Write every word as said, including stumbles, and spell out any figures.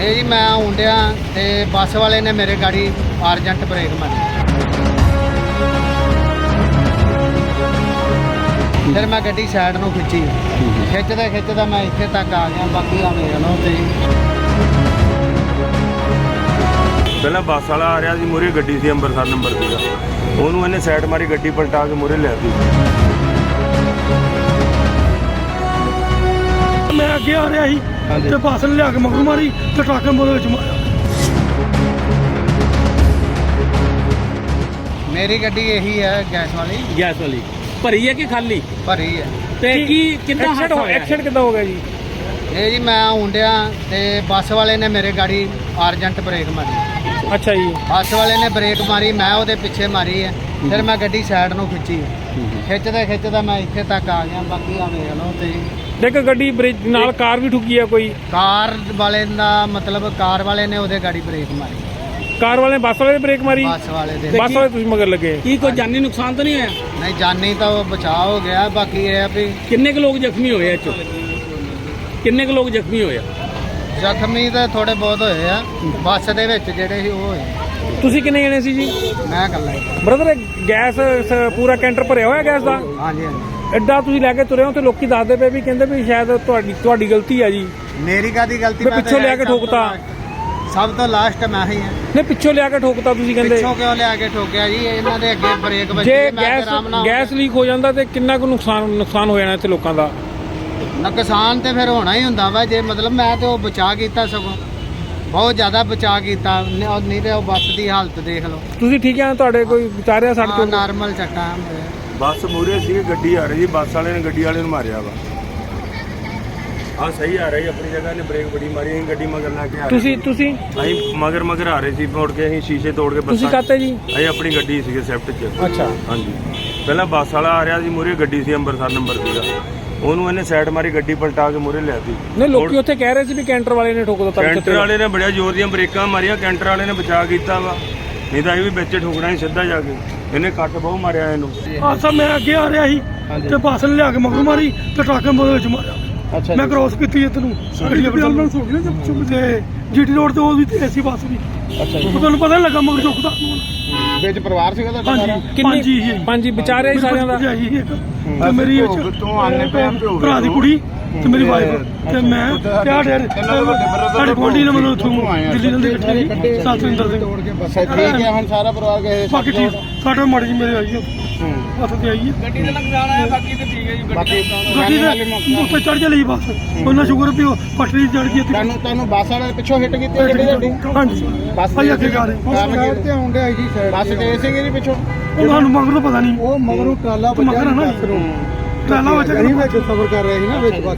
ਇਹ ਜੀ ਮੈਂ ਆਉਂਦਿਆ ਤੇ ਬੱਸ ਵਾਲੇ ਨੇ ਮੇਰੇ ਗਾੜੀ ਅਰਜੈਂਟ ਬ੍ਰੇਕ ਮਾਰੀ। ਫਿਰ ਮੈਂ ਗੱਡੀ ਸਾਈਡ ਨੂੰ ਖਿੱਚੀ, ਖਿੱਚਦਾ ਖਿੱਚਦਾ ਮੈਂ ਇੱਥੇ ਤੱਕ ਆ ਗਿਆ। ਬਾਕੀ ਆ ਵੇਖ ਲਓ ਤੇ ਪਹਿਲਾਂ ਬੱਸ ਵਾਲਾ ਆ ਰਿਹਾ ਸੀ, ਮੂਹਰੇ ਗੱਡੀ ਸੀ ਅੰਮ੍ਰਿਤਸਰ ਨੰਬਰ ਸੀਗਾ, ਉਹਨੂੰ ਇਹਨੇ ਸਾਈਡ ਮਾਰੀ, ਗੱਡੀ ਪਲਟਾ ਕੇ ਮੂਹਰੇ ਲੈ ਦਿੱਤੀ। ਮੈਂ ਅੱਗੇ ਆ ਰਿਹਾ ਸੀ ਤੇ ਬੱਸ ਨੇ ਲਿਆ ਕੇ ਮਗਰ ਮਾਰੀ ਤੇ ਟਰੱਕ ਨੇ ਉਹਦੇ ਵਿੱਚ ਮਾਰਿਆ। ਮੇਰੀ ਗੱਡੀ ਇਹੀ ਹੈ ਗੈਸ ਵਾਲੀ। ਗੈਸ ਵਾਲੀ ਭਰੀ ਹੈ ਕਿ ਖਾਲੀ ਭਰੀ ਹੈ। ਤੇ ਕੀ ਕਿੰਨਾ ਹਾਦਸਾ ਹੋਇਆ? ਐਕਸੀਡੈਂਟ ਕਿੱਦਾਂ ਹੋ ਗਿਆ ਜੀ? ਇਹ ਜੀ ਮੈਂ ਆਉਂਦਿਆ ਤੇ ਬੱਸ ਵਾਲੇ ਨੇ ਮੇਰੇ ਗਾੜੀ ਅਰਜੈਂਟ ਬ੍ਰੇਕ ਮਾਰੀ। ਅੱਛਾ ਜੀ। ਬੱਸ ਵਾਲੇ ਨੇ ਬ੍ਰੇਕ ਮਾਰੀ, ਮੈਂ ਉਹਦੇ ਪਿੱਛੇ ਮਾਰੀ ਹੈ। ਫਿਰ ਮੈਂ ਗੱਡੀ ਸਾਈਡ ਨੂੰ ਖਿੱਚੀ, ਖਿੱਚਦਾ ਖਿੱਚਦਾ ਮੈਂ ਇੱਥੇ ਤੱਕ ਆ ਗਿਆ। ਬਾਕੀ ਆ ਵੇਖ ਲਓ ਤੇ ਦੇਖ ਗੱਡੀ ਬ੍ਰੇਕ ਨਾਲ ਕਾਰ ਵੀ ਠੁੱਕੀ ਆ। ਕੋਈ ਕਾਰ ਵਾਲੇ ਦਾ ਮਤਲਬ ਕਾਰ ਵਾਲੇ ਨੇ ਉਹਦੇ ਗਾੜੀ ਬ੍ਰੇਕ ਮਾਰੀ, ਕਾਰ ਵਾਲੇ ਨੇ ਬੱਸ ਵਾਲੇ ਦੀ ਬ੍ਰੇਕ ਮਾਰੀ, ਬੱਸ ਵਾਲੇ ਦੇ। ਬੱਸ ਵਾਲੇ ਤੁਸੀਂ ਮਗਰ ਲੱਗੇ। ਕੀ ਕੋਈ ਜਾਨੀ ਨੁਕਸਾਨ ਤਾਂ ਨਹੀਂ ਹੋਇਆ? ਨਹੀਂ, ਜਾਨੀ ਤਾਂ ਉਹ ਬਚਾਅ ਹੋ ਗਿਆ। ਬਾਕੀ ਇਹ ਆ ਵੀ ਕਿੰਨੇ ਕੁ ਲੋਕ ਜ਼ਖਮੀ ਹੋਏ ਇਹ ਚੋਂ? ਕਿੰਨੇ ਕੁ ਲੋਕ ਜ਼ਖਮੀ ਹੋਏ ਆ? ਜ਼ਖਮੀ ਤਾਂ ਥੋੜੇ ਬਹੁਤ ਹੋਏ ਆ ਬੱਸ ਦੇ ਵਿੱਚ, ਜਿਹੜੇ ਸੀ ਉਹ ਹੋਏ। ਤੁਸੀਂ ਕਿੰਨੇ ਜਣੇ ਸੀ ਜੀ? ਮੈਂ ਇਕੱਲਾ ਹੀ। ਬ੍ਰਦਰ ਗੈਸ ਸ- ਪੂਰਾ ਕੈਂਟਰ ਭਰਿਆ ਹੋਇਆ ਗੈਸ ਦਾ? ਹਾਂਜੀ ਹਾਂਜੀ। ਐਡਾ ਤੁਸੀਂ ਲੈ ਕੇ ਤੁਰੇ ਹੋ ਤੇ ਲੋਕੀ ਦੱਸਦੇ ਪਏ ਵੀ ਕਹਿੰਦੇ ਵੀ ਸ਼ਾਇਦ ਤੁਹਾਡੀ ਤੁਹਾਡੀ ਗਲਤੀ ਆ ਜੀ। ਮੇਰੀ ਕਾਹਦੀ ਗਲਤੀ? ਮੈਂ ਮੈਂ ਪਿੱਛੋਂ ਤਾਂ ਲਿਆ ਕੇ ਸਭ ਤੋਂ ਠੋਕਤਾ। ਲਾਸਟ- ਸਭ ਤੋਂ ਲਾਸਟ ਮੈਂ ਹੀ ਹਾਂ। ਨੇ ਪਿੱਛੋਂ ਲਿਆ ਕੇ ਠੋਕਤਾ ਤੁਸੀਂ ਕਹਿੰਦੇ। ਪਿੱਛੋਂ ਕਿਉਂ ਲਿਆ ਕੇ ਠੋਕਿਆ ਜੀ? ਇਹਨਾਂ ਦੇ ਅੱਗੇ ਬ੍ਰੇਕ ਵੱਜੀ, ਜੇ ਮੈਂ ਗੈਸ ਆਰਾਮ ਨਾਲ ਗੈਸ ਲੀਕ ਹੋ ਜਾਂਦਾ ਤੇ ਕਿੰਨਾ ਕੁ ਨੁਕਸਾਨ ਨੁਕਸਾਨ ਹੋ ਜਾਣਾ ਇੱਥੇ ਲੋਕਾਂ ਦਾ? ਨੁਕਸਾਨ ਤੇ ਫਿਰ ਹੋਣਾ ਹੀ ਹੁੰਦਾ ਵਾ। ਜੇ ਮਤਲਬ ਮੈਂ ਤੇ ਉਹ ਬਚਾ ਕੀਤਾ, ਸਗੋਂ ਬਹੁਤ ਜ਼ਿਆਦਾ ਬਚਾ ਕੀਤਾ। ਨ- ਉਹ ਨਹੀਂ ਤੇ ਉਹ ਬੱਸ ਦੀ ਹਾਲਤ ਦੇਖ ਲਓ। ਤੁਸੀਂ ਠੀਕ ਆ? ਤੁਹਾਡੇ ਕੋਈ ਵਿਚਾਰਿਆ ਸੜ ਹਾਂ, ਤੋਂ? ਨਾਰਮਲ ਚੱਕਾ। ਬੱਸ ਮੂਹਰੇ ਸੀ, ਗੱਡੀ ਆ ਰਹੀ ਸੀ, ਬੱਸ ਵਾਲੇ ਨੇ ਗੱਡੀ ਵਾਲੇ ਨੂੰ ਮਾਰਿਆ ਵਾ। ਆ ਸਹੀ ਆ ਰਹੀ ਆਪਣੀ ਜਗ੍ਹਾ, ਨੇ ਬ੍ਰੇਕ ਬੜੀ ਮਾਰੀ, ਅਸੀਂ ਗੱਡੀ ਮਗਰ ਲਾ ਕੇ ਆ ਰਹੇ ਤੁਸੀਂ ਸੀ। ਤੁਸੀਂ ਅਸੀਂ ਮਗਰ ਮਗਰ ਆ ਰਹੇ ਸੀ, ਮੋੜ ਕੇ ਅਸੀਂ ਸ਼ੀਸ਼ੇ ਤੋੜ ਕੇ ਤੁਸੀਂ ਬੱਸਾਂ ਕਾਤੇ ਜੀ? ਅਸੀਂ ਆਪਣੀ ਗੱਡੀ ਸੀਗੇ ਸਵਿਫਟ 'ਚ। ਅੱਛਾ। ਹਾਂਜੀ, ਪਹਿਲਾਂ ਬੱਸ ਵਾਲਾ ਆ ਰਿਹਾ ਸੀ, ਮੂਹਰੇ ਗੱਡੀ ਸੀ ਅੰਮ੍ਰਿਤਸਰ ਨੰਬਰ ਸੀਗਾ, ਉਹਨੂੰ ਇਹਨੇ ਸਾਈਡ ਮਾਰੀ, ਗੱਡੀ ਪਲਟਾ ਕੇ ਮੂਹਰੇ ਲੈ ਦਿੱਤੀ। ਨਹੀਂ, ਲੋਕੀ ਉੱਥੇ ਕਹਿ ਰਹੇ ਸੀ ਵੀ ਕੈਂਟਰ ਵਾਲੇ ਨੇ ਠੋਕ ਦਿੱਤਾ। ਕੈਂਟਰ ਵਾਲੇ ਨੇ ਬੜਿਆ ਜ਼ੋਰ ਦੀਆਂ ਬ੍ਰੇਕਾਂ ਮਾਰੀਆਂ, ਕੈਂਟਰ ਵਾਲੇ ਨੇ ਬਚਾ ਕੀਤਾ ਵਾ, ਨਹੀਂ ਤਾਂ ਇਹ ਵੀ ਵਿੱਚ ਠੋਕਣਾ ਸੀ ਸਿੱਧਾ ਜਾ ਕੇ। ਇਹਨੇ ਕੱਟ ਬਹੁਤ ਮਾਰਿਆ ਇਹਨੂੰ। ਆਸਾ ਮੈਂ ਅੱਗੇ ਆ ਰਿਹਾ ਸੀ ਤੇ ਬੱਸ ਨੇ ਲਿਆ ਕੇ ਮਗਰ ਮਾਰੀ ਤੇ ਟਰੱਕ ਨੇ ਉਹਦੇ ਵਿੱਚ ਮਾਰਿਆ। ਅੱਛਾ ਮੈਂ ਕ੍ਰੋਸ ਕੀਤੀ ਇੱਧਰ ਨੂੰ, ਗੱਡੀ ਐਂਬੂਲੈਂਸ ਹੋ ਗਈ ਨਾ ਜਦ ਚੁੱਪ ਤੇ ਜੀਟੀ ਰੋਡ ਤੇ ਉਹ ਵੀ ਤੇ ਐਸੀ ਬੱਸ ਵੀ। ਅੱਛਾ ਜੀ। ਉਹ ਤੁਹਾਨੂੰ ਪਤਾ ਨੀ ਲੱਗਾ ਮਗਰ ਚੁੱਕਦਾ। ਵਿੱਚ ਪਰਿਵਾਰ ਸੀਗਾ ਤੁਹਾਡਾ ਸਾਰਾ? ਹਾਂਜੀ, ਪੰਜ ਹੀ ਹੈ। ਪੰਜ ਹੀ ਵਿਚਾਰਿਆ ਹੀ ਸਾਰਿਆਂ ਦਾ। ਭਰਜਾਈ ਇੱਕ ਤੇ ਮੇਰੀ ਵਿੱਚ ਤੂੰ ਆਨੇ ਪਿਆ ਪਿਓ ਭਰਾ ਦੀ ਕੁੜੀ ਤੇ ਮੇਰੀ ਵਾਈਫ ਤੇ ਮੈਂ ਤੇ ਆ ਡੇਰ ਸਾਡੇ ਗੋਡੀ ਨੇ ਮੈਨੂੰ ਉੱਥੋਂ ਦਿੱਲੀ ਨਾਲ ਇਕੱਠੇ ਸਤਿੰਦਰ ਸਿੰਘ। ਅੱਛਾ, ਠੀਕ ਹੈ। ਹੁਣ ਸਾਰਾ ਪਰਿਵਾਰ ਗਏ? ਬਾਕੀ ਠੀਕ ਸਾਡੇ ਮਾੜੀ ਜੀ ਮੇਰੇ ਆਈ ਹੱਥ ਤੇ ਆਈ ਹੈ। ਗੱਡੀ ਦਾ ਨੁਕਸਾਨ ਆਇਆ, ਬਾਕੀ ਤੇ ਠੀਕ ਹੈ ਜੀ। ਬਾਕੀ ਗੱਡੀ ਦੇ ਉੱਤੇ ਚੜ ਚਲੀ ਬੱਸ, ਉਹਨਾਂ ਸ਼ੁਕਰ ਵੀ ਉਹ ਪਟੜੀ ਚੜ ਗਈ। ਤੁਹਾਨੂੰ ਤੁਹਾਨੂੰ ਬੱਸ ਵਾਲੇ ਪਿੱਛੋਂ ਹਿੱਟ ਕੀਤੀ ਗੱਡੀ ਤੁਹਾਡੀ? ਹਾਂਜੀ, ਬੱਸ ਭਾਈ ਅੱਗੇ ਜਾ ਰਹੇ ਸਾਈਡ ਤੇ ਆਉਂਦੇ ਆਈ ਜੀ, ਸਾਈਡ ਬੱਸ ਤੇ ਸੀਗੇ ਜੀ ਪਿੱਛੋਂ। ਉਹ ਸਾਨੂੰ ਮਗਰ ਤੋਂ ਪਤਾ ਨਹੀਂ। ਉਹ ਮਗਰੋਂ ਟਰਾਲਾ ਮਗਰ ਹੈ ਨਾ, ਟਰਾਲਾ ਵਿੱਚ ਵਿੱਚ ਸਫ਼ਰ ਕਰ ਰਹੇ ਸੀ ਨਾ, ਵਿੱਚ ਬੱਸ